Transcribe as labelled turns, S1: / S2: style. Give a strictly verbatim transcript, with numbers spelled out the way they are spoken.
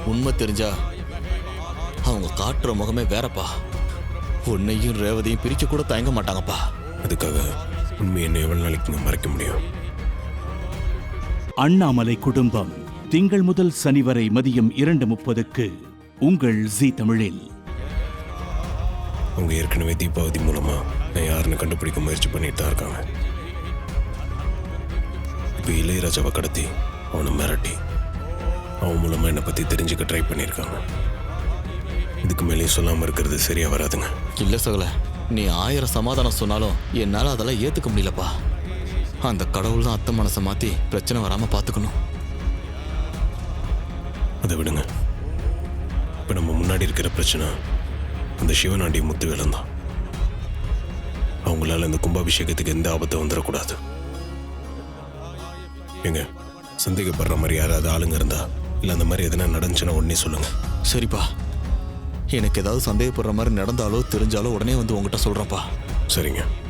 S1: உண்மை தெரிஞ்சா அவங்க காட்டுற முகமே வேறப்பா. உன்னையும் ரேவதியும் பிரிக்க கூட தயங்க மாட்டாங்கப்பா.
S2: அதுக்காக உண்மை என்ன எவ்வளவு நாளைக்கு மறைக்க முடியும்?
S3: அண்ணாமலை குடும்பம் திங்கள் முதல் சனி வரை மதியம் இரண்டு முப்பதுக்கு உங்கள் ஜீ தமிழில்.
S2: அவங்க ஏற்கனவே தீபாவதி மூலமா நான் யாருன்னு கண்டுபிடிக்க முயற்சி பண்ணிட்டு தான் இருக்காங்க. இப்போ இளையராஜாவை கடத்தி அவனை மிரட்டி அவன் மூலமா என்னை பத்தி தெரிஞ்சுக்க ட்ரை பண்ணியிருக்காங்க. இதுக்கு மேலேயும் சொல்லாம இருக்கிறது சரியா வராதுங்க.
S1: இல்ல சகல, நீ ஆயிரம் சமாதானம் சொன்னாலும் என்னால அதெல்லாம் ஏத்துக்க முடியலப்பா. அந்த கடவுள் தான் அத்தை மனசை மாத்தி பிரச்சனை வராம பாத்துக்கணும்.
S2: அதை விடுங்க. இப்ப நம்ம முன்னாடி இருக்கிற பிரச்சனை அந்த சிவனாண்டி முத்துவேலன் தான். அவங்களால இந்த கும்பாபிஷேகத்துக்கு எந்த ஆபத்தை வந்துடக்கூடாது. ஏங்க, சந்தேகப்படுற மாதிரி யாராவது ஆளுங்க இருந்தா இல்ல அந்த மாதிரி எதனா நடந்துச்சுன்னா உடனே சொல்லுங்க.
S1: சரிப்பா, எனக்கு ஏதாவது சந்தேகப்படுற மாதிரி நடந்தாலோ தெரிஞ்சாலோ உடனே வந்து உங்ககிட்ட சொல்றேன்ப்பா.
S2: சரிங்க.